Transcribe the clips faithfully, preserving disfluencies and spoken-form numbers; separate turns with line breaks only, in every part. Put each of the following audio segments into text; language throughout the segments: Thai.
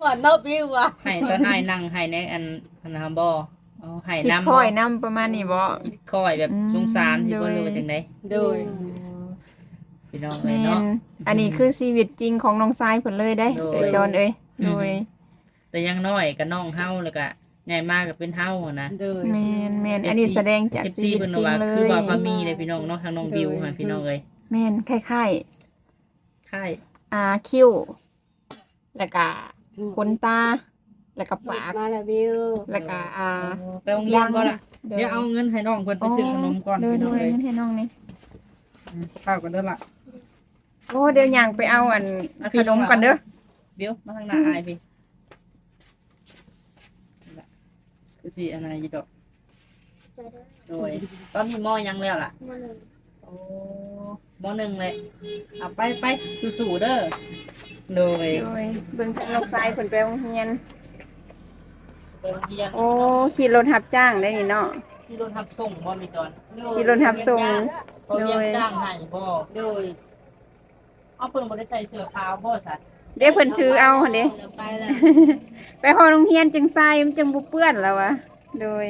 ว่าเนาะบิวว่ะ
ให้ตอนอ้ายนั่งให้ในอันอันนะบ่เอาให้
สิ
นำ
ค่อยนำประมาณนี้บ่
คอยแบบ
อืม
สงสารสิบ่
โดย
รู้ว่าจังได๋
โดย
พี่น้องเอ้
แม่
ยเนาะ
นอันนี้คือชีวิตจริงของน้องทรายเพิ่นเลยได้
โดย
เอ้ยจอนเอ้ย
อืม
โดย
แต่ยังน้อยก็น้องเฮาแล้วก็ใหญ่มากก็เป็นเฮาอะนะ
โดย
แม่นแม่นอันนี้แสดงจาก
เอฟ
ชี
ซี
วิต
เพิ่น
จริง
ว่า
เล
คือย บ่าวพามีเลยพี่น้องเนาะทางน้องบิวค่ะพี่น้องเอ้ย
แม่นคล้าย
ค่าย
ๆอ่าคิ้วแล้วก็ขนตาแล้วก็ปาก
มาแล้วบิว
แล้วก็อ่า
ไปโรงเรียนบ่ล่ะเดี๋ยวเอาเงินให้น้องเพิ่นไปซื้อขนมก่อน
โดย
พี่
โด
น้อง
ย
เอ้ย
ให้น้องนี่
อืมข้าวกันเด้อล่ะ
โอ้เดี๋ยวย่างไปเอาอันขนมก่อนเด้อ
เดี๋ยวมาทางหน้าอายพี่นี่ล่ะคือสิอันนั้นอยู่ดอกโดยตอนนี้มอยังแล้วล่ะ โอ้มหนึ่งเลยเอาไปไปสู้ๆเด้อโดย
โดยเบิ่งทางน้องทรายเพิ่นไปโรงเรียน
ไปโรงเรียน
โอ้ขี่รถรับจ้างได้นี่เนาะ
ที่รถทับส่งบ่มีตอน
ขี่รถรับส่ง
เขาเรียกจ้างให้บ่
โดย
เอาเพิ่นบ่ได้ใส่เสื้อขาวบ่สัตว์
เดี๋ยวเพิ่นถือเอาหั่นเด้
ไปแล้ว
ไปฮอโรงเรียนจังใส่มันจังบ่เปื้อนแล้ววะโดย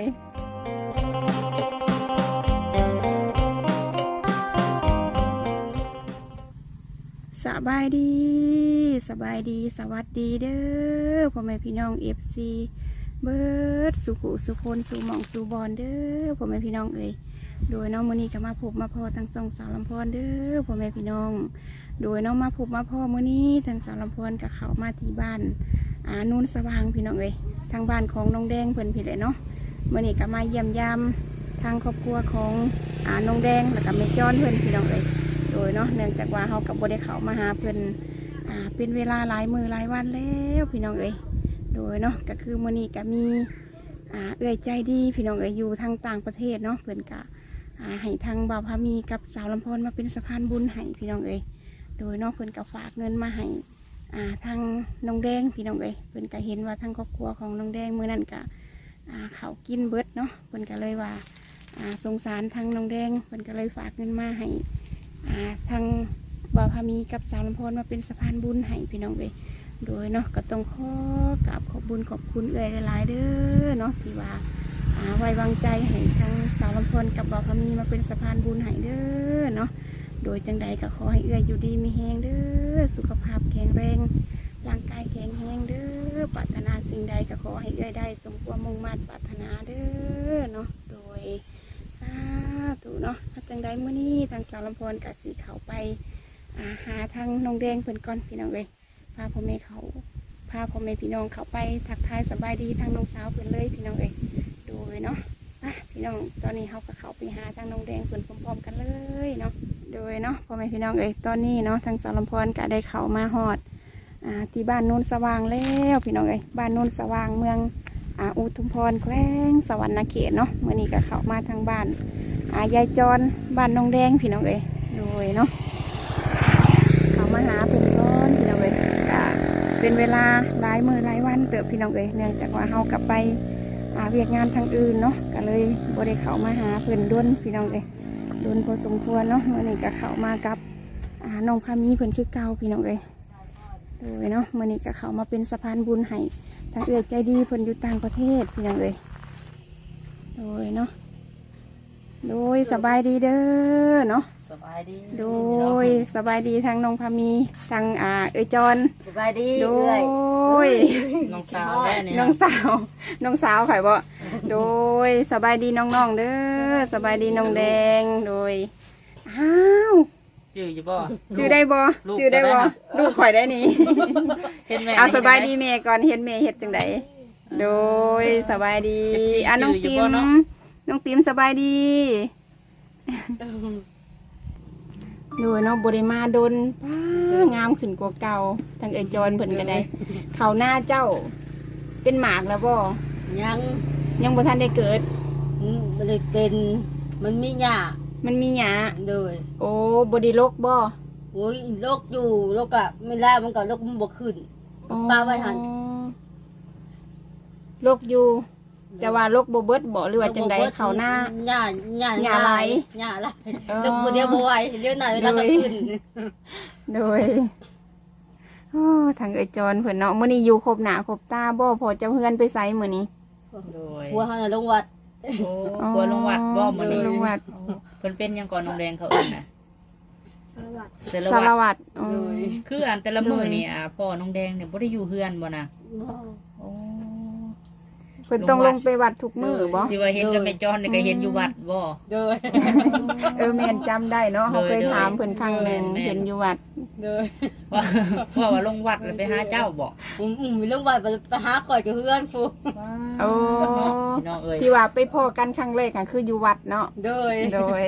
สบายดีสบายดีสวัสดีเด้อพ่อแม่พี่น้อง เอฟ ซี เบิดสุขุสุคนสู่หม่องสู่บอนเด้อพ่อแม่พี่น้องเอ้ยโดยน้องมื้อนี้ก็มาพบมาพอทั้งสองสาวลำพรเด้อพ่อแม่พี่น้อง โดยน้องมาพบมาพ่อมื้อนี้ทั้งสาวลำพรกับเขามาที่บ้านอ่านูนสว่างพี่น้องเอ้ยทางบ้านของน้องแดงเพิ่นพี่เลยเนาะมื้อนี้ก็มาเยี่ยมยามทางครอบครัวของอ่าน้องแดงแล้วก็แม่จ้อนเพิ่นพี่น้องเอ้ยโดยเนาะเนื่องจากว่าเฮากับบ่ได้เข้ามาหาเพิ่นอ่าเป็นเวลาหลายมื้อหลายวันแล้วพี่น้องเอ้ยโดยเนาะก็คือมื้อนี้ก็มีอ่าเอื้อยใจดีพี่น้องเอ้ยอยู่ทางต่างประเทศเนาะเพิ่นก็อ่าให้ทางบ่าวพามีกับสาวลำพรมาเป็นสะพานบุญให้พี่น้องเอ้ยโดยเนาะเพิ่นก็ฝากเงินมาให้อ่าทางน้องแดงพี่น้องเอ้ยเพิ่นก็เห็นว่าทางครอบครัวของน้องแดงมื้อนั้นก็อ่าเขากินเบิดเนาะเพิ่นก็เลยว่าอ่าสงสารทางน้องแดงเพิ่นก็เลยฝากเงินมาให้อ่าทางบ่าวพามีกับสาวลำพรมาเป็นสะพานบุญให้พี่น้องเอ้ยโดยเนาะก็ต้องขอกราบขอบบุญขอบคุณเอื้อยหลายๆเด้อเนาะที่ว่าอ่าไว้วางใจให้ทางสาวลำพรกับบ่าวพามีมาเป็นสะพานบุญให้เด้อเนาะโดยจังใดก็ขอให้เอื้อยอยู่ดีมีแฮงเด้อสุขภาพแข็งแรงร่างกายแข็งแรงเด้อปรารถนาสิ่งใดก็ขอให้เอื้อยได้สมความมุ่งมั่นปรารถนาเด้อเนาะโดยสาธุเนาะถ้าจังใดมื้อนี้ทางสาวลำพรกับสีเขาไปอ่าหาทางน้องแดงเพิ่นก่อนพี่น้องเอ้ยพาพ่อแม่เขาพาพ่อแม่พี่น้องเขาไปทักทายสบายดีทางน้องสาวเพิ่นเลยพี่น้องเอ้ยโดยเนาะอ่ะพี่น้องตอนนี้เขาก็เขาไปหาทางน้องแดงเพิ่นพร้อมๆกันเลยเนาะโดยเนาะพ่อแม่พี่น้องเอ้ยตอนนี้เนาะทางสาวลำพรก็ได้เขามาฮอดอ่าที่บ้านโนนสว่างแล้วพี่น้องเอ้ยบ้านโนนสว่างเมืองอ่าอุทุมพรแขวงสวรรณเขตเนาะเมื่อนี้ก็เขามาทางบ้านอ่ายายจรบ้านน้องแดงพี่น้องเอ้ยโดยเนาะเขามาหาเพิ่นก่อนพี่น้องเอ้ยก็เป็นเวลาหลายมื้อหลายวันเติบพี่น้องเอ้ยเนื่องจากว่าเฮากลับไปอ่าเวียกงานทางอื่นเนาะก็เลยบ่ได้เข้ามาหาเพิ่นด้วนพี่น้องเอ้ยด้วนพอสมควรเนาะเมื่อนี้ก็เข้ามากับอ่าน้องพามีเพิ่นคือเก่าพี่น้องเอ้ยโดยเนาะเมื่อนี้ก็เข้ามาเป็นสะพานบุญให้ทางเอื้อยใจดีเพิ่นอยู่ต่างประเทศพี่น้องเอ้ยโดยเนาะโดยสบายดีเด้อเนาะ
สบายดี
โดยสบายดีทางน้องพามีทางอ่าเอยจอน
สบายดี
โด
เอ้
ย
น้องสาวแม่เนี่ย
น้องสาวน้องสาวข่อยบ่โดยสบายดีน้องๆเด้อสบายดีน้องแดงโดยอ้าว
จื้ออยู่บ่
จื้อได้บ่
ลูก
จื้อได้บ่
ก็ได้นะ
ลูกข่อยได้นี่
เห็นแม่
เอาสบายดีแม่ก่อนเห็นแม่เฮ็ดจังไดโดยสบายดี
เอฟซี
อ่ะน้อง
จื้ออยู่
ติ
บ่
ม
เนาะ
น้องติมสบายดีโดยเนาะบริมาดนป้างามขึ้นกว่าเก่าทางเอยจอนเพิ่นก็ได้ เขาหน้าเจ้า เป็นหมากแล้วบ่
ยัง
ยังบ่ทันได้เกิด
อืมมันเลยเป็นมันมีหญ้า
มันมีหยา
โดย
โอ้บไดีลกบ่
โอ้ยโรคอยู่โรคอะไม่ได้มันก็โรคมันบวขึ้นป้าไว้หัน
ลกอยู่ แต่ว่าลกบ่เบิดบ่หรือว่าจังใดเขาหน้า
หญ้าหญ้า
หญ้าไหล
หญ้าไหล
เออ
โรคบ่เดียวบ่ไหวเรื่องไหนเวลาก็ขึ้น
โดยโอ้ทางเอยจรเพิ่นเนาะมื้อนี้อยู่ครบหน้าครบตาบ่พอเจ้าเฮือนไปไสมื้อนี้
โดย
หัวเขาน่ะลงวัด
โอ้กลัวลงวัดบ่มื้อนี้
ลงวัด
เพิ่นเป็นหยังก่อนน้องแดงเขาเอิ้นน่ะเสร
สาร
วัตร
วัตรอ๋อ
คืออันแต่ละมื้อนี่อ่าพ่อน้องแดงเนี่ยบ่ได้อยู่เฮือนบ่น่ะ
บ่
โอ้
เพิ่นต้องลงไปวัดทุกมื้อบ่
ที่ว่าเห็นกับแม่จอนนี่ก็เห็นอยู่วัดบ่
โดย
เออแม่นจำได้เนาะเขาเคยถามเพิ่นครั้งหนึง
แม่นๆ
เห็นอยู่วัด
โดย
ว่าว่าว่าลงวัดแล้วไปหาเจ้าบ่
อืมอืมมีลงวัดไปหาข่อยกับเพื่อนฟู
โอ้
พี่น้องเอ้ย
ที่ว่าไปพ้อกันครั้งแรกก็คืออยู่วัดเนาะ
โดย
โดย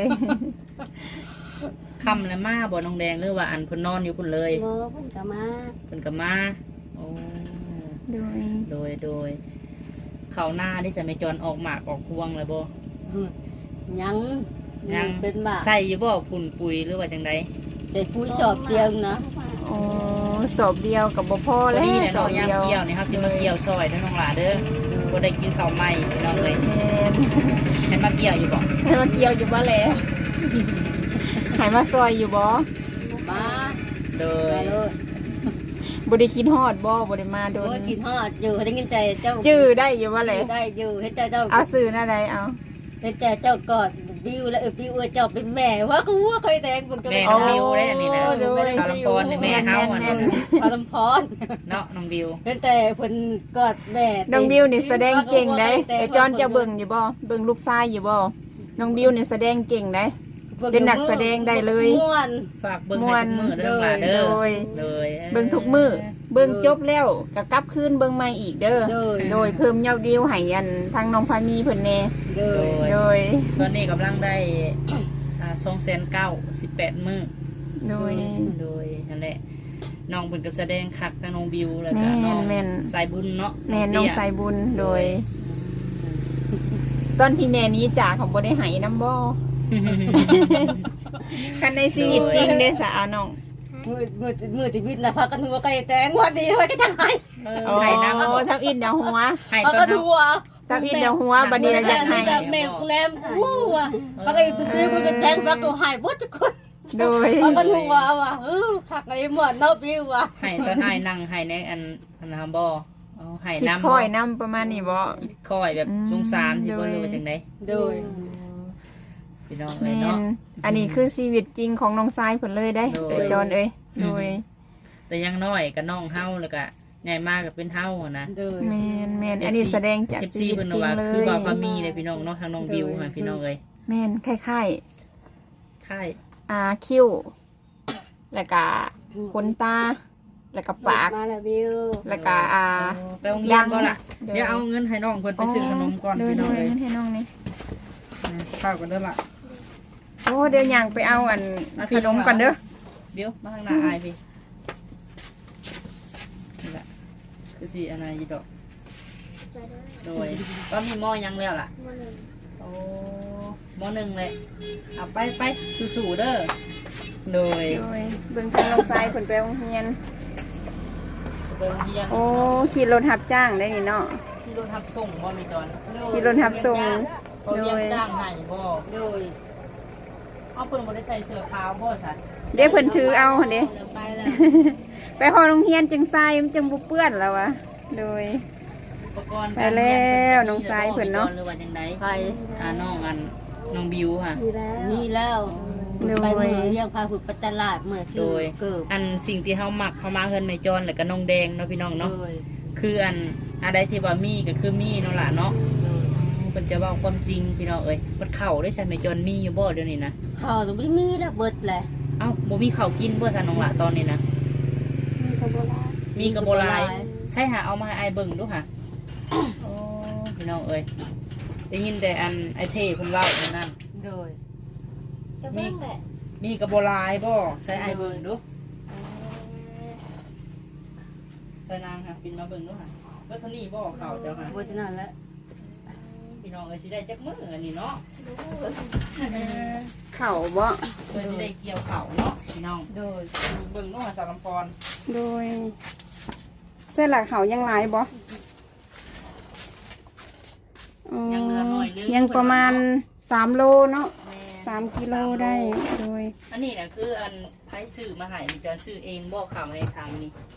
ค่ำแล้วมาบ่น้องแดงหรือว่าอันเพิ่นนอนอยู่พุ่นเลย
โมเพิ่นก็มา
เพิ่นก็มาโอ้
โดย
โดยโดยเข้าหน้าที่จะแม่จอนออกหมากออกพวงแล้วบ่
ยัง
ยัง
เป็นบ้า
ใส่อยู่บ่ฝุ่นปุ๋ยหรือว่าจังได
แต่ผู้ชอบเตียงนะ
โอ้สอบเดียวกับบ่พอ
พอ
แล้ว
ดีแหละ
สอ
เนาะ
บ
ยาม
เดียว
เกี่ยวนี่เฮาสิมาเกี่ยวซอยเด้อน้องหลาเด้อบ่ได้กินข้าวใหม่พี่น้องเอ้ย
แม่น
ให้มาเกี่ยวอยู่บ่
ให้มาเกี่ยวอยู่บ่แหละให้มาซอยอยู่บ่
มา
โด
มาย เลย
บ่ได้คิดฮอดบ่บ่ได้มาโด
โอ้
น
ยกินฮอดอยู่ได้ยินใจเจ้า
จื้อได้อยู่บ่แหละ
ได้อยู่เห็นใจเจ้า
เอาสื่อหน้าใดเอา
เห็นใจเจ้ากอดบิวแล้วเออบิวเออเจ้าเป็นแม่ว่ากูว่าเคยแดงมึงก็
แม่
ไม่
น้อง
เอา
บิวได้อันนี้นะ
โอ้ดูไม่ได้
สารพรนี่แม่เฮาอัน
แม่
นั้น
น
พาลำพร
เนาะน้องบิว
เห็นแต่เพิ่นกอดแม่
น้องบิวนี่แสดงเก่งได้ไอ้จอนจะเบิ่งอยู่บ่เบิ่งลูกชายอยู่บ่น้องบิวนี่แสดงเก่งได้ เป็นนักแสดงได้เลย
ม่วน
ฝากเบิ่งให้ทุกมื้อเด้อน้องหลาเด้อ
โดย
โดย
เบิ่งทุกมื้อเบิ่งจบแล้วก็กลับคืนเบิ่งใหม่อีกเด้อ
โดย
โดยเพิ่มยอดวิวให้อันทางน้องพามีเพิ่นแน่
โดย
โดย
ตอนนี้กำลังได้อ่าสองแสนเก้าสิบแปดมื้อ
โดย
โดยนั่นแหละน้องเพิ่นก็แสดงคักทั้งน้องบิวแล้วก็
แม่น
น้อง
แม่น
สายบุญเนาะ
แม่น้อง
เตี้ย
สายบุญโดย ตอนที่แม่นี้จากของบ่ได้ให้น้ำบ่ คันในชีวิตจริงเด้สาวน้อง
มือมือมือที่วิทย์นะพากันหัวไก่แตงวันดีไว้ก็จังไห้
เออ
โอ้
ไห้น้ำ
ทับอินเดาหัว
ไห้
พา
ตอ
กัน น
เฮา
หัว
ทับอินเดาหัวบัดนี้เราอยากให้
แม่แรมอู้ว่ะพากันบิวก็แตงพากันหายหมดทุกคน
โดย
พากันหัวว่ะเออคักไอ้หมอนเนาะบิวว่ะ
ไห้ตอนไห้นั่งไห้ในอันอันนะครับบ่เอาไห้
คิด
น้ำ
ค่อยน้ำประมาณนี้บ่
คิดค่อยแบบ
อืม
สงสารที่บ่
โดย
รู้ว่าจังได๋
โดย
พี่น้อง
แม
เอ้ยเนาะ
นอันนี้คือชีวิตจริงของน้องทรายเพิ่นเลยได้
โดย
เอ้ยจอนเอ้ยโดย
แต่ยังน้อยก็น้องเฮาแล้วก็ใหญ่มากก็เป็นเฮาอะนะ
โดย
แมนแมนอันนี้แสดงจาก
เอฟ
ชี
ซี
วิต
เพิ่น
จริง
ว่า
เล
คือย ว่าพามีเลยพี่น้องเนาะทางน้องบิวค่ะพี่น้องเอ้ย
แมนคล้าย
ค่าย
ๆอ่าคิ้วแล้วก็ขนตาแล้วก็ปาก
มาแล้วบิว
แล้วก็อ่า
ไปโรงเรียนบ่ล่ะเดี๋ยวเอาเงินให้น้องเพิ่นไปซื้อขนมก่อน
โดย
พี่
โด
น้อง
ย
เอ้ย
ให้น้องนี่
ข้าวกันเด้อล่ะ
โอ้เดี๋ยวย่างไปเอาอันขนมก่อนเด้อ
เดี๋ยวมาข้างหน้าอายพี่นี่แหละคือสิอันไหนอีดอกโดยก็มีหม้อยังแล้วล่ะโอ้หม้อหนึ่งเลยเอาไปไปสู้ๆเด้อโดย
โดยเบิ่งทางน้องทรายเพิ่นไปโรงเรียน
เบิ่งเฮียน
โอ้ขี่รถรับจ้างได้นี่เนาะ
ที่รถทับส่งบ่มีตอน
ขี่รถรับส่ง
เขาเรียกจ้างให้บ่
โดย
เอาเพิ่นบ่ได้ใส่เสื้อขาวบ่ซะ
เดี๋ยวเพิ่นถือเอาหั่นเด้
ไปแล้ว
ไปฮอดโรงเรียนจังทรายมันจังบ่เปื้อนแล้ววะโดย
อุปกรณ์
ไปแล้วน้องทรายเพิ่นเนาะ
หรือว่าจังได๋
ไป
อ่าน้องอันน้องบิวค่ะ
นี่แล้วไปมือเรียงพาหุดปัตตลาดเมื่อ
โด
ซื้อย เกิบ
อันสิ่งที่เฮามักเข้ามาเฮือนแม่จอนแล้วก็น้องแดงเนาะพี่น้อง
โด
เนาะ
ย
คืออันอะไรที่ว่ามีก็คือมีเนาะล่ะเนาะ
โดย
เพิ่นจะเว้าความจริงพี่น้องเอ้ยมันเข้าได้ใช่แม่จอนมีอยู่บ่เดี๋ยวนี้นะ
ข้าวต้องไม่มีแล้วเบิดแหละ
เอ้าบ่มีข้าวกินบ่ซะน้องล่ะตอนนี้นะมีกระโบหลายใช่หาเอามาให้อายเบิ่งดูค่ะโอ้พี่น้องเอ้ยได้ยินแต่อันไอเทเพิ่นเว้าอันนั้น
โดย
มีมีกระโบหลายบ่ใส่อายเบิ่งดูใส่นางค่ะปินมาเบิ่งดูค่ะเบิดเท่านี้บ่ข้าวเจ้าค่ะ
เบิดนั่นแหละ
พี่น้องเอ้ยสิได้จักมื้ออันนี้เนาะ
เข่าบ่
เพื่อสิได้เกี่ยวข้าวเนาะพี่น้อง
โดย
ดูเบิ่งเนาะสารลำพร
โดยเส้นหลักเขายังหลายบ่อ๋อ
ยังเหลือหน่อยนึง
ยังประมาณสามโลเนาะ
แม่
สามกิโลได้โดย
อันนี้น่ะคืออันไผซื้อมาให้มีการซื้อเองบ่ข้าวในทางนี้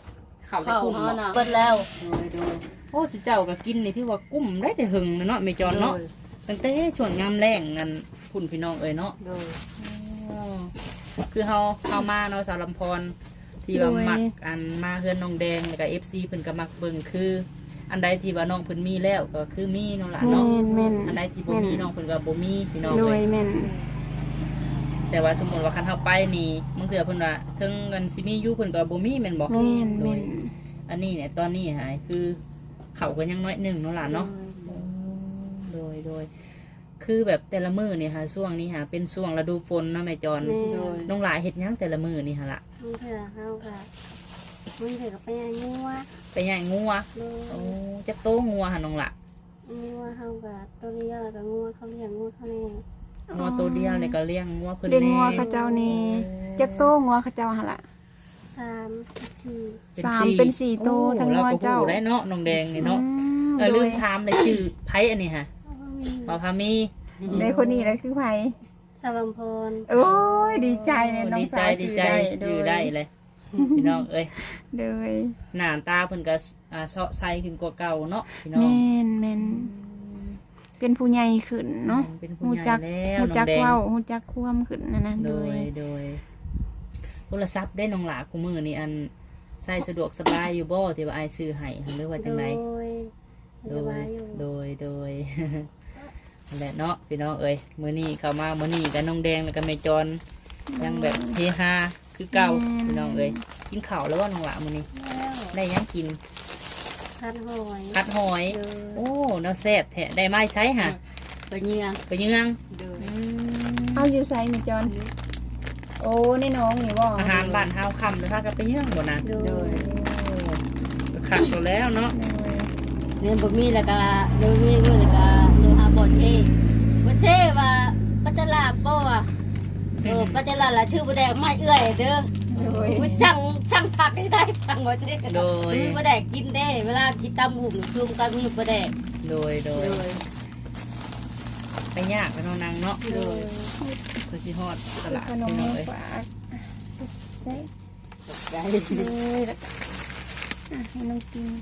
ข้าวได้
ข้าว
คุ้ม
เฮา
บ่
น่ะเบิดแล้ว
โดยโดยโอ้เจ้าก็กินนี่ที่ว่ากุ้มได้แต่หึงนะเนาะแม่จอนเนาะ
โดย
ตั้งแต่ช่วงยามแรงนั่นคุณพี่น้องเอ้ยเนาะ
โดย
อ๋อคือเฮาเฮามาเนาะสาวลำพรที่ว่ามักอันมาเฮือนน้องแดงแล้วก็ เอฟ ซี เพิ่นก็มักเบิ่งคือ อันใดที่ว่าน้องเพิ่นมีแล้วก็คือมีเนาะล่ะ
แม่
เนาะ
นแม่น
อันใดที่บ่มีน้องเพิ่นก็บ่มีพี่น้อง
โด
เอ้
ย
ย
แม่น
แต่ว่าสมมุติว่าคันเฮาไปนี่บางเทื่อเพิ่นว่าถึงกันสิมีอยู่เพิ่นก็บ่มีแม่นบ่
แม่น
โด
แม่
ย
น
อันนี้เนี่ยตอนนี้หายคือเขาก็ยังน้อยหนึงเนาะล่ะเนาะโดยโดยคือแบบแต่ละมื้อนี่ค่ะช่วงนี้ค่ะเป็นช่วงฤดูฝนเนาะแม่จอน
แม่
โดย
น้องหลายเฮ็ดหยังแต่ละมื้อนี่ค่ะล่ะ
มึงเถอะเฮาค่ะมึงเถอะก็ไปยังงัว
ไปย่างงัว
โดย
โอ้จักโตงัวค่ะน้องล่ะ
งัวเฮาก็ตัวเลี้ยงแล้วก็งัวเขาเลี้ยงงัวเขาแน่
งัวตัวเดียวเลยก็เลี้ยงงัวเพิ่น
เลี้ยง
แน่
งัวเขาเจ้านี่จักโตงัวเขาเจ้าหั่นล่ะ
สามสี่
เป็น
สาม
สี่
เป็นสี่โต
โอ้
ทั้ง
เรา
งัว
ก็
เจ้า
ฮู้ได้เนาะน้องแดงนี่เนาะ
อืม
เออ
โด
ลื
ย
มถามเลยชื่อไผอันนี้ค่ะ
เขาก็มี
บ่าวพามี
ในคนนี้แหละคือไผ
สารัมพร
โอ้ยดีใจเลยน้อง
ดีใจ
สาว
ดี
จือ
ใจ
ได้
อยู่ได้เลยพี่น้องเอ้ย
โดย
หน้าตาเพิ่นก็อ่าเซาะใสขึ้นกว่าเก่าเนาะพี่น้อง
แม่นแม่นเป็นผู้ใหญ่ขึ้นเนาะ
เป็นผู้
ฮู้
ใหญ่
จัก
แล้ว
ฮู้
น้
จั
อก งแดง
เว้าฮู้จักความขึ้นนั่นนะ
โด
โด
ย
ย
โดยโทรศัพท์ได้น้องหลาคู่มือนี่อันใช้สะดวกสบายอยู่บ่ที่ว่าอายซื้อให้หรือว่าจังได
โดย
โด
สบาย ยอยู่
โดยโดย นั่นแหละเนาะพี่น้องเอ้ยมื้อนี้เข้ามามื้อนี้กับน้องแดงแล้วก็แม่จอนยังแบบเฮฮาคือเก่าพี่น้องเอ้ยกินข้าวแล้วว่าน้องหลามื้อนี้
แล้ว
ได้หยังกิน
พัดหอย
ผัดหอย
โดย
โอ้น้าแซ่บแท้ได้ไม้ใช้ฮะ
ไปเยี่ยง
ไปเยือง
โดย
อืม
เอาอยู่ไสมีจอนโอ้ในน้องนี่บ่
อาหารบ้านเฮาคำเลยพากันไปเยืองบ่นะ
โด
โด
ย
ย
ขัดตัวแล้วเนาะ
โดย
เนี่ยบ่มีแล้วก็โดยมีมื้อแล้วก็โดยหาบ่เท่บ่เท่ว่าปัจจลาบบ่ว่าเออปัจจลาล่ะชื่อบ่ได้ไม่เอื้อยเด้อ
โดย
อุ้ยสั่งสั่งผักให้ได้สั่งบ่เท่
โดย
มีบ่ได้กินเด้เวลากินตำหุ่งคือมันก็มีบ่ได้
โดยโดย
โดย
ไปยากไปเนาะนางเนาะ
โดย
คือสิฮอดตลาด
ขนม
พี่น้องเอ้ย
ฝากได้
ได้
เลยแล้วก็อ่ะให้น้องกิน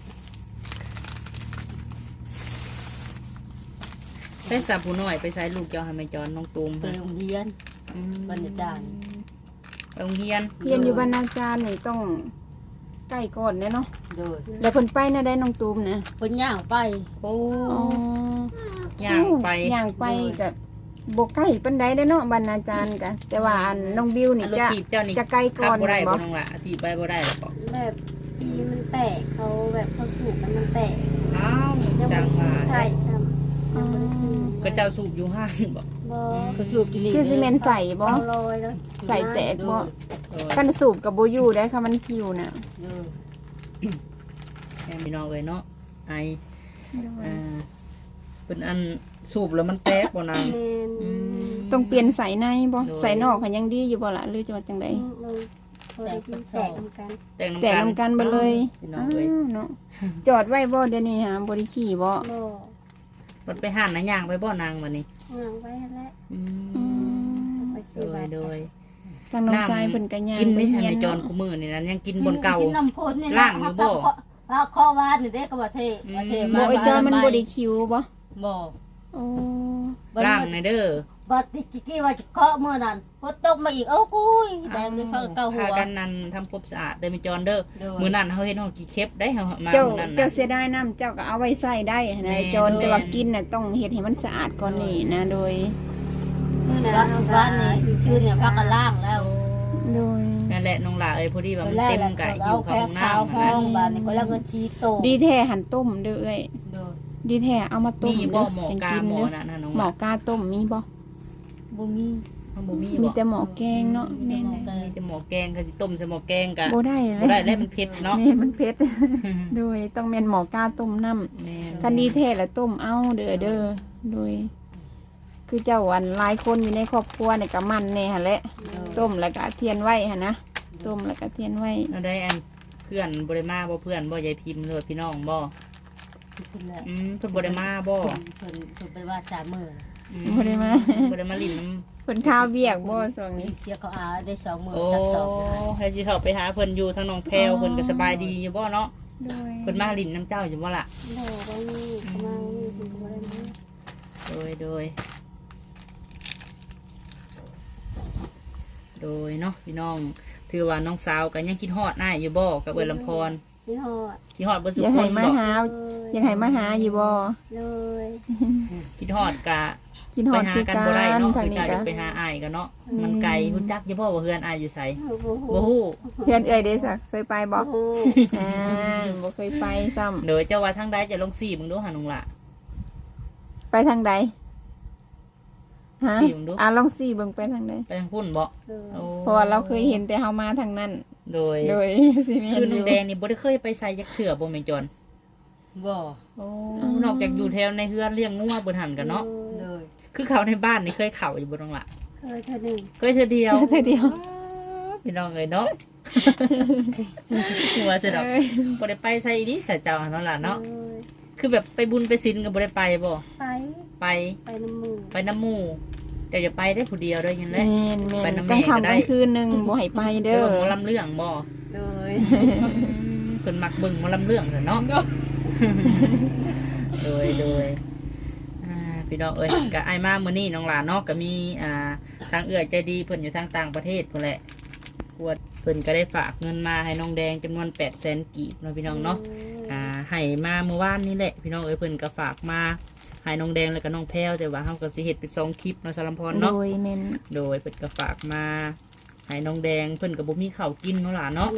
ไปสาผู้น้อยไปใช้ลูกเจ้าให้แม่จอนน้องตูม
ไปโรงเรียน
อืม
บรรณาจารย์
ไปโรงเรียน
เรียนอยู่บรรณาจารย์นี่ต้องใกล้ก่อนแน่เนาะ
โดย
แล้วเพิ่นไปน่ะได้น้องตูมนะ
เพิ่นย่างไป
โอ้
อ๋อ
ย่างไป
ย่างไปกับบ่ใกล้ปานใดเด้อเนาะบรรณาจารย์กันแต่ว่าอันน้องบิวนี่
อันรถ
จะ
ถีบเจ้านี่
จะไกลก่
ขั
อบ น
บ่ได้
บ่
บ่น้องหล่ะถีบไปบ่ได้หรอก
แบบปีมันแตกเขาแบบเขาสูบแล้วมันแตก
อ้าว
ยัง
จั
ไม่
ง
ได้
ว่า
ใช่ใช่ยังไม่ได้ซื้อ
ก็เจ้าสูบอยู่ห้างบ่
บ่
เขาชูบกินนี่
คือซีเมนต์ใส่บ่
เอาลอยแล้ว
ใส่แตก
โด
บ่
ย
โดย
กันสูบกับบ่อยู่ได้ค่ะมันผิวน่ะ
โดย
แม่พี่น้องเอ้ยเนาะไอ
โดย
อ่าเป็นอันสูบแล้วมันแตกบ่นาง
แมน
อืม
ต้องเปลี่ยนใส่ในบ่
โดย
ใส่นอกก็ยังดีอยู่บ่ล่ะหรือจะว่าจังได๋
ลงพอได้กินแตกทำกัน
แตกน้ำ
แต่
กัน
นำกันเบ่เลย
พี่น้อ
อ้าง
เอ้ยว
เนาะจอดไว้บ่เดี๋ยวนี้หาบ่ได้ขี่บ่
บ่
มันไปห้านนะย่างไปบ่นางวันนี้
ย่างไว้แล้ว
อื
อื
ม
ม
ไป
โด
ซื้อย บัตร
โดย
ทางน้องชายเพิ่นก็ย่าง
กิน
ไป
ไม่ใช่
เฮีย
ใน
น
จอน
เนาะ
กูมือนี่นั้นยังกินบนเก่า
กินน้ำพ่นนี่
ล่างอยู่บ่
ถ้าข้อวานนี่เด้ก็บ่เท่บ่เท่
บ่ไอ้จอยมันบ่ได้คิวบ่
บ่
โอ้
ล่างในเด้อ
บัดที่กี้ว่าจะเคาะมื้อนั้นฝนตกมาอีกโอ้กุยแดงเลยฟ้าเก่าหั
พาว กันนั่นทำความสะอาดเด้อมีจอนเด้อ
โดย
มื้อนั้นเฮาเฮ็ดห้องกี่เข็บได้เฮามา
เจ้า
มื้อนั้น
เจ้า
น่ะ
เสียดายน้ำเจ้าก็เอาไว้ใส่ได้นะ
แม่
ไอ้จอน
โดย
แต่ว่ากินน่ะต้องเฮ็ดให้มันสะอาดก่อนนี่นะโดย
มื้อนั้น
บ้าน
เฮา
บ้านนี่ชื่อเนี่ยพักกันล่างแล้ว
โดย
นั่นแหละน้องหลาเอ้ยพอดีว่ามันเต็มกะอ
เอา
ยู่ข้า
แค่
ง
ขาว
น้ำ
ห้
นะ
องบ้านนี่ก็แล้วก็ชี้โต
ดีแท้หันต้มเด้อเอ้ย
โดย
ดีแท้เอามาต้ม
มี
เด้
บ่
อ
หมอ
จัง
กา
กิน
หมอ
เด้อ
น่ะนะน้อง
หม
ห
อ
ลาก
าต้มมีบ่
บ่มี
มันบ่มี
มี
บ่
แต่หมอแกงเนาะแม่น
หมอแก
มีแต่หมอแกงก็สิต้มใส่หมอแกงกะ
บ่ได้เล
บ่
ย
ได้แล้วมันเผ็ดเนาะ
แม่มันเผ็ด โดยต้องแม่นหมอกาต้มน้ำ
แม่น
คันดีแท้แล้วต้มเอาเด้อเด้อโดย คือเจ้าอันหลายคนอยู่ในครอบครัวนี่ก็มันแน่หั่นแหละต้มแล้วก็เทียนไว้หั่นนะต้มแล้วก็เทียนไว้
เราได้อันเพื่อนบ่ได้มาบ่เพื่อนบ่ยายพิมพ์เลยพี่น้องบ่
เพิ่นแหละ
อืมเพิ่นบ่ได้มาบ่
เพิ่นเพิ่นไปว่าสามมื้อ
อ
บ่ได้มา
บ่ได้มาลิ้นน้
เพิ่นข้าวเบียกบ่ช่วงนี้
เสียเขาอาได้สองหมื่
ำ
น
โอ้
จักสอง
ให้สิเข้าไปหาเพิ่นอยู่ทางหนองแพรวเพิ่นก็สบายดีอยู่บ่เนาะ
โดย
เพิ่นมาลิ้นน้ำเจ้าอยู่บ่ล่ะ
โดดได้นี่เขามานี่ถึงบ่ได้นี่
โดยโดยโดยเนาะพี่น้องถือว่าน้องสาวก็ยังคิดฮอดอ้ายอยู่บ่กับเอื้อลำพร
ที่หอด
คิดฮอดบ่สุ
อยาก
ค
ให้
น
มา
บ่
หาอยากให้มาหาอยู่บ่
เลย
คิดฮอดกะ
กินฮ
ไป
อด
หา
คือ
กัน
กั
บ่ได้
น
เนาะ
ทาง
คือ
นี้
กะ
ก็
ไปหาอ้ายกันเนาะมันไกลฮู้จักอยู่บ่ว่าเฮือนอ้ายอยู่ไส
โอ้โห
บ่ฮู้
เพื่อนเอ้ยเด้ซะเคยไปบ่
โอ้โห
อ่าบ่เคยไปซ้ำ
โดยเจ้าว่าทางใดจะลงสี่มึงดูหานุ่งล่ะ
ไปทางใดฮะ
สี่มึงดู
อ่ะลองสี่เบิ่งไปทางใด
ไปทางพุ่นบ่
เลย
โอ้
เพราะว่าเราเคยเห็นแต่เฮามาทางนั้น
โดย
โดย สิแม่น
คือ
อ
น้อง
ยู่
แดงนี่บ่ได้เคยไปใส่ยักเถื่อบ่แม่นจอน
บ่
โอ้นอกจากอยู่แถวในเฮือนเลี้ยงงัวเบิ่นหันกันเนาะ
เลย
คือเขาในบ้านนี่เคยเข้าอยู่บ่น้องล่ะ
เคยเธอหนึ่ง
เคยเทื่อเดียว
เธอเดียว
พี่น้องเอ้ยเนาะ หัวสิดอก
เอ้ย
บ่ได้ไปใส่อีนี่ใส่เจ้าเนาะล่ะเนาะ
เลย
คือแบบไปบุญไปศีลก็บ่ได้ไปบ่
ไป
ไป
ไปน้ำมือ
ไปน้ำหมู่แต่อย่าไปได้ผู้เดียวเด้อยันแห
แม่
ละ
นแม่
ไป
น
น้ำ
กลาง
แม่ก็
ค่ำ
ได้
กลางคืนหนึงบ่ให้ไปเด้อ
เบิ่งหมอลำเรื่องบ่
เลย
เพิ่นมักเบิ่งหมอลำเรื่องซะเนาะ โดยโดยอ่าพี่น้องเอ้ยก็อ้ายมามื้อนี้น้องหลานเนาะก็มีอ่าทางเอื้อใจดีเพิ่นอยู่ทางต่างประเทศพุ่นแหละกวดเพิ่นก็ได้ฝากเงินมาให้น้องแดงจำนวน แปดแสน กีบเนาะพี่น้องเนาะอ่าให้มาเมื่อวานนี้แหละพี่น้องเอ้ยเพิ่นก็ฝากมาให้น้องแดงแล้วก็น้องแพรวแต่ว่าเฮาก็สิเฮ็ดเป็นสองคลิปเนาะสารมพร
โด
เนาะ
ยแม่น
โดยเพิ่นก็ฝากมาให้น้องแดงเพิ่นก็บ่มีข้าวกินเนาะหล่ะเนาะ
เลย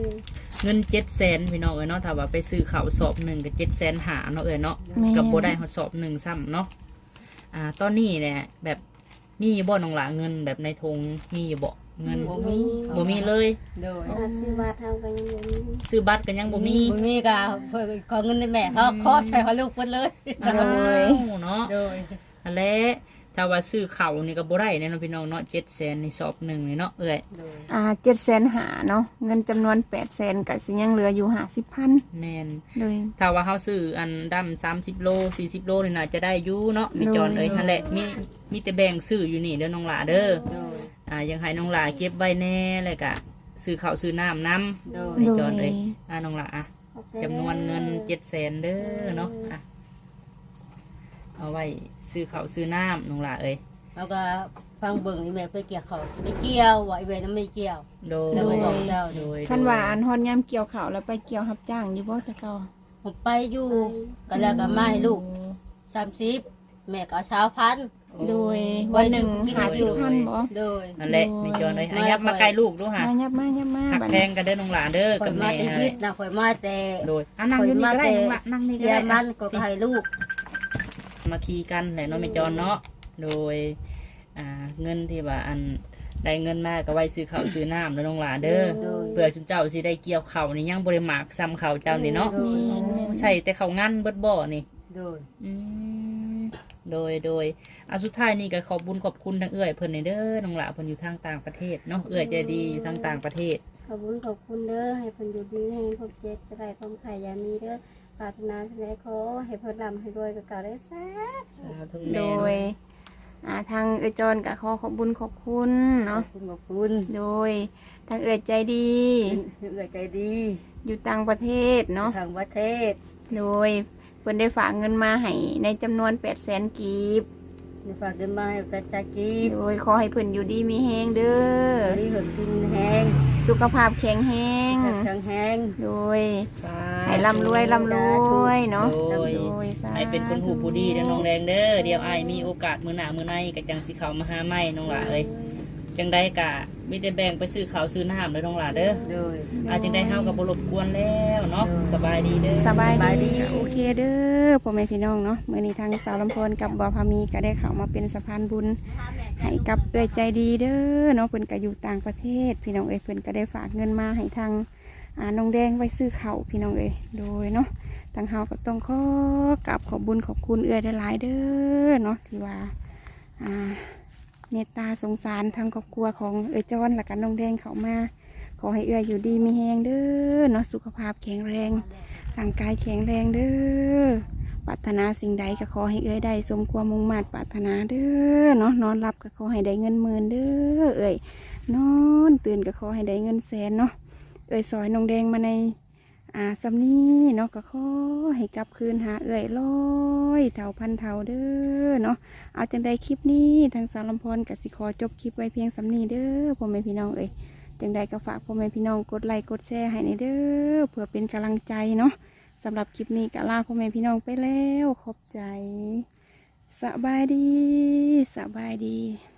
เงินเจ็ดแสนพี่น้องเอ้ยเนาะถ้าว่าไปซื้อข้าวสอบหนึ่งก็เจ็ดแสนหาเนาะเอ้ยเนาะ
แม่น
กับบ่ได้ฮอดสอบหนึ่งซ้ำเนาะอ่าตอนนี้เนี่ยแบบมีบ่น้องหล่ะเงินแบบในธงมีบ่เงิน
บ่มี
บ่มีเลย
โดย
ถ้าชื่อว่าเท่ากันยังบ่มี
ซื้อบัตรก็ยังบ่มี
บ่มีก็เพิ่นขอเงินในแม่เขาขอใช้ของลูกเพิ่นเลย
โอ้เนาะ
โดย
อันแหละถ้าว่าซื้อข้าวนี่ก็บ่ได้แน่เนาะพี่น้องเนาะเจ็ดแสนในสอบหนึ่งนี่เนาะเอ้ย
โดย
อ่าเจ็ดแสนหาเนาะเงินจำนวนแปดแสนก็สิยังเหลืออยู่ห้าสิบพัน
แม่น
โดย
ถ้าว่าเขาซื้ออันดำสามสิบโลสี่สิบโลนี่น่าจะได้อยู่เนาะมีจอนเอ้ยนั่นแหละมีมีแต่แบ่งซื้ออยู่นี่เด้อน้องหลาเด้อ
โดย
อ่ายังให้น้องหลาเก็บไว้แน่เลยกะซื้อข้าวซื้อน้ำน้
โดย
ำมีจอนเอ้ยอ่าน้องหลาอ่ะ
ขอบใจ
จำนวนเงินเจ็ดแสนเด้อเนาะอ่ะเอาไว้ซื้อข้าวซื้อน้ำน้องหลาเอ้ย
แล้วก็ฟังเบิ่งอีแม่ไปเกี่ยวเขาไปเกี่ยวว่าอีแม่นั้นไม่เกี่ยว
โดย
แล้วก็บอกเจ้า
โดย
คันว่าอันฮอนยามเกี่ยวข้าวแล้วไปเกี่ยวรับจ้างอยู่บ่แต่เก่า
ผมไปอยู่ก็แล้วก็มาให้ลูกสามสิบแม่ก็เอาสาวพัน
โดยวันหนึ่ง
ไว้ซื้อกิน
ห้าสิบพันบ่
โดย
นั่นแหละมีจอนเอ้ย
มา
อ่ะยับมาใกล้ลูกดูฮะ
มายับมายับมา
หัก
บัด
แพ
นี้
งกันเด้อน้องหลาเด้อ
ข่อ
กับ
ยมา
แม่
แต่
ฮะ
ยึดนะข่อยมาแต่
โดยอ่ะนั่งอยู่นี่ก็ได้น้องหลานั่งนี่ก็
เสีย
ได้
มั
อ่ะ
นก็ให้ลูก
มาคีกันแหละเนาะแม่จอนเนาะโดยอ่าเงินที่ว่าอันได้เงินมาก็ไว้ซื้อข้าวซื้อน้ำแล้วน้องหลาเด้อ
โดย
เพื่อจุนเจ้าสิได้เกี่ยวข้าวนี่ยังบริมากซ้ำข้าวเจ้านี่เนาะ
โดย
ใส่แต่ข้าวงั้นเบิดบ่อนี่
โดย
อืมโดยโดยอ่ะสุดท้ายนี่ก็ขอบบุญขอบคุณทางเอื้อยเพิ่นนี่เด้อน้องหลาเพิ่นอยู่ทางต่างประเทศเนาะเอื้อยใจดีอยู่ทางต่างประเทศ
ขอบคุณขอบคุณเด้อให้เพิ่นอยู่ดีให้พบเจ็บจะได้พบไข่ยามีเด้อปรารถนาสิ่งใดขอให้เพิ่นร่ำให้รวยกับเก่าได้แซ่บ
สาธุ
โด
แม่
ยอ่าทางเอยจอนก็ขอขอบบุญขอบคุณ
ขอ
เนาะ
บคุณขอบคุณ
โดยทางเอยใจดี
เอื้อใจดี
อยู่ต่างประเทศเนาะ
ทางประเทศ
โดยเพิ่นได้ฝากเงินมาให้ในจำนวนแปดแสนกีบ
ในฝากเดินมาให้ประชากีบ
โดยขอให้เพิ่นอยู่ดีมีแฮงเด้อ
ที่เหินกินแห้ง
สุขภาพแข็งแรง
แข็งแห้ง
โดย
สาธุ
ให้ร่ำรวยร่ำรวยเนาะ
โดย
โดยสาธุ
ให้เป็นคนหูผู้ดีเด้อน้องแดงเด้อเดี๋ยวอ้ายมีโอกาสมื้อหน้ามื้อในก็จังสิเข้ามาหาใหม่น้องหลาเอ้ยจังไดกะมีแต่แบ่งไปซื้อข้าวซื้อน้ำเด้อน้องหลาเด้อ
โดย
อาจังได้เฮาก็บ่รบกวนแล้วเนาะ
เออ
สบายดีเด้อ
สบาย
สบายดี
ดีโอเคเด้อพ่อแม่พี่น้องเนาะมื้อนี้ทางสาวลำพนกับบ่าวพามีก็ได้เข้ามาเป็นสะพานบุญให้กับเอื้อยใจดีเด้อเนาะเพิ่นก็อยู่ต่างประเทศ พี่น้องเอ้ยเพิ่นก็ได้ฝากเงินมาให้ทางอ่าน้องแดงไว้ซื้อข้าวพี่น้องเอ้ยโดยเนาะทางเฮาก็ต้องขอกราบขอบบุญขอบคุณเอื้อยหลายๆเด้อเนาะที่ว่าอ่าเมตตาสงสารทางครอบครัวของเอื้อยจอนและกันน้องแดงเข้ามาขอให้เอื้อยอยู่ดีมีแฮงเด้อเนาะสุขภาพแข็งแรง ร่างกายแข็งแรงเด้อไปรารถนาสิ่งใดก็ขอให้เอ้ยได้สมความมุ่งมั่นปรารถนาเด้อเนาะนอนรับก็ขอให้ได้เงินหมื่นเด้อเอ้ยนอนตื่นก็ขอให้ได้เงินแสนเนาะเอ้ยซอยน้องแดงมาในอ่าสำนี้เนาะก็ขอให้กลับคืนหาเอ้ยร้อยเท่าพันเท่าเด้อเนาะเอาจังใดคลิปนี้ทางสารลำพรกับสิขอจบคลิปไว้เพียงสำนี้เด้อพ่อแม่พี่น้องเอ้ยจังใดก็ฝากพ่อแม่พี่น้องกดไลค์กดแชร์ให้ในเด้อเพื่อเป็นกำลังใจเนาะสำหรับคลิปนี้ก็ลาพ่อแม่พี่น้องไปแล้วขอบใจสบายดีสบายดี